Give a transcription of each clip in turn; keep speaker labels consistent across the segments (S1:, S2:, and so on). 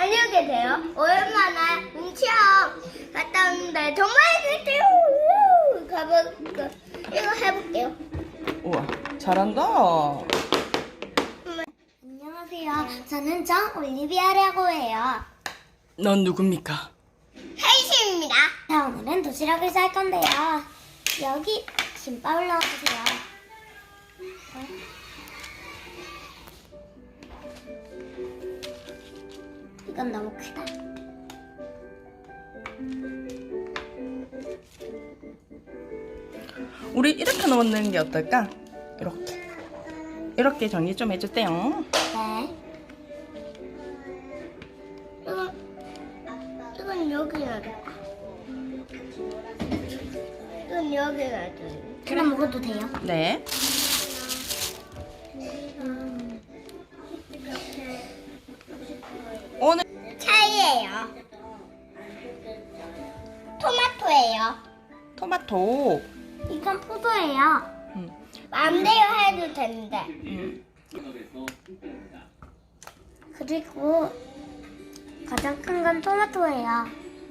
S1: 다녀오게 돼요. 오랜만에 체험 갔다 왔는데 정말 재밌대요. 가볼까? 이거 해볼게요.
S2: 우와, 잘한다.
S1: 안녕하세요. 저는 정올리비아라고 해요.
S2: 넌 누굽니까?
S1: 혜이씨입니다. 자, 오늘은 도시락을 쌀 건데요. 여기 김밥을 넣어주세요. 이건 너무 크다.
S2: 우리 이렇게 넣는 게 어떨까? 이렇게 정리 좀 해주세요.
S1: 네. 이건 여기 놔둘까? 이건 여기 놔둘까? 그럼 먹어도 돼요?
S2: 네. 오늘
S1: 차이예요. 토마토예요.
S2: 토마토.
S1: 이건 포도예요.
S2: 음.
S1: 마음대로 해도 되는데. 그리고 가장 큰 건 토마토예요.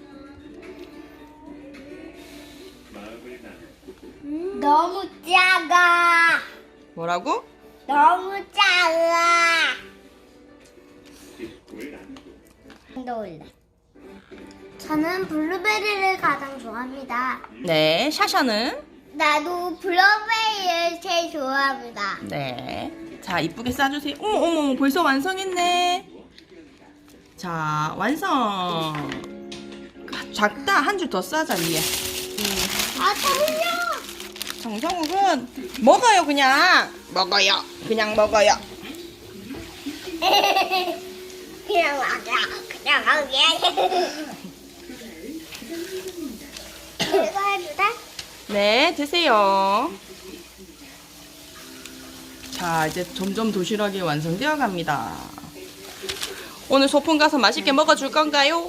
S1: 너무 작아.
S2: 뭐라고?
S1: 너무 작아. 넣을래. 저는 블루베리를 가장 좋아합니다.
S2: 네. 샤샤는?
S1: 나도 블루베리를 제일 좋아합니다.
S2: 네. 자, 이쁘게 싸주세요. 어머, 벌써 완성했네. 자, 완성. 작다. 한 줄 더 싸자, 위에.
S1: 아, 잠시만요.
S2: 정성욱은 먹어요, 그냥. 먹어요. 그냥 먹어요.
S1: 그냥 먹게. 이거 해도 돼?
S2: 네, 드세요. 자, 이제 점점 도시락이 완성되어 갑니다. 오늘 소풍 가서 맛있게 먹어줄 건가요?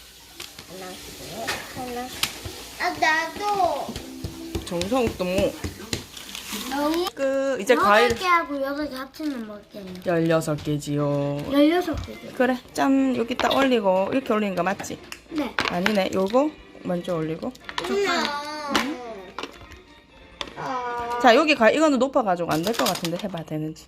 S1: 하나. 아, 나도.
S2: 정성욱도 뭐.
S1: 너무.
S2: 이제 과일
S1: 8개 하고 6개 합치면 몇 개예요?
S2: 16개지요.
S1: 16개.
S2: 그래, 짠. 여기 딱 올리고, 이렇게 올리는 거 맞지?
S1: 네.
S2: 아니네, 요거 먼저 올리고. 자, 여기 이거는 높아가지고 안 될 것 같은데 해봐, 되는지.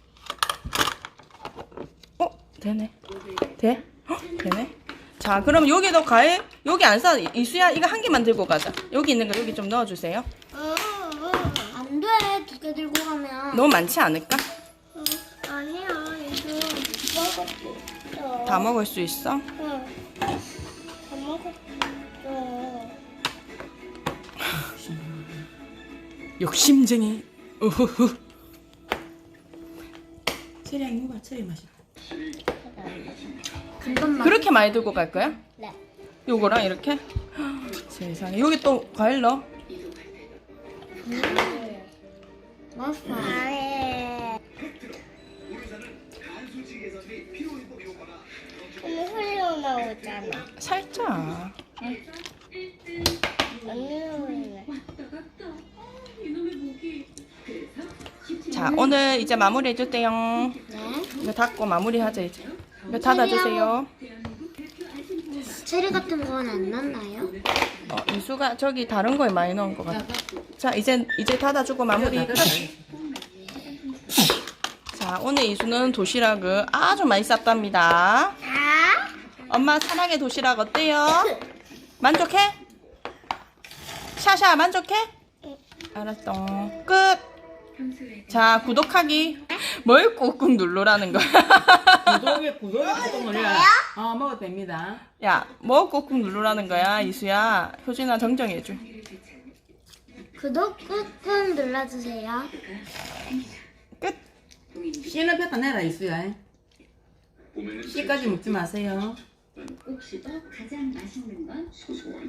S2: 되네. 돼? 되네. 자, 그럼 여기도 과일, 여기 안 싸. 이수야, 이거 한 개만 들고 가자. 여기 있는 거 여기 좀 넣어주세요.
S1: 안 돼. 2개 들고 가면.
S2: 너무 많지 않을까?
S1: 아니야. 이거 먹었어.
S2: 다 먹을 수 있어?
S1: 응. 다 먹었어.
S2: 욕심쟁이. 우후후. 체리 이거 봐, 체리 맛이.
S1: 금방
S2: 그렇게 많이 들고 갈 거야?
S1: 네.
S2: 요거랑 이렇게? 세상에. 여기 또 과일 넣어.
S1: 맛있어. 근데 흘러나오잖아.
S2: 살짝.
S1: 안 흘러오네.
S2: 자, 오늘 이제 마무리 해줄게요.
S1: 네.
S2: 이거 닫고 마무리 하자, 이제. 이거 닫아주세요.
S1: 체리 같은 건 안 넣나요?
S2: 이수가 저기 다른 거에 많이 넣은 것 같아. 자, 이제 닫아주고 마무리 끝. 자, 오늘 이수는 도시락을 아주 많이 쌌답니다.
S1: 자.
S2: 엄마 사랑의 도시락 어때요? 만족해? 샤샤 만족해? 알았어. 끝. 자, 구독하기. 뭘 꾹꾹 누르라는 거야?
S3: 구독에 꾹꾹 눌러라. 먹어도 됩니다.
S2: 야, 뭐 꾹꾹 누르라는 거야, 이수야? 효진아 정정해줘.
S1: 구독 꾹꾹 눌러주세요.
S2: 끝.
S3: 씨는 뱉어내라 이수야. 씨까지 먹지 마세요.
S4: 혹시 가장 맛있는 건? 소소한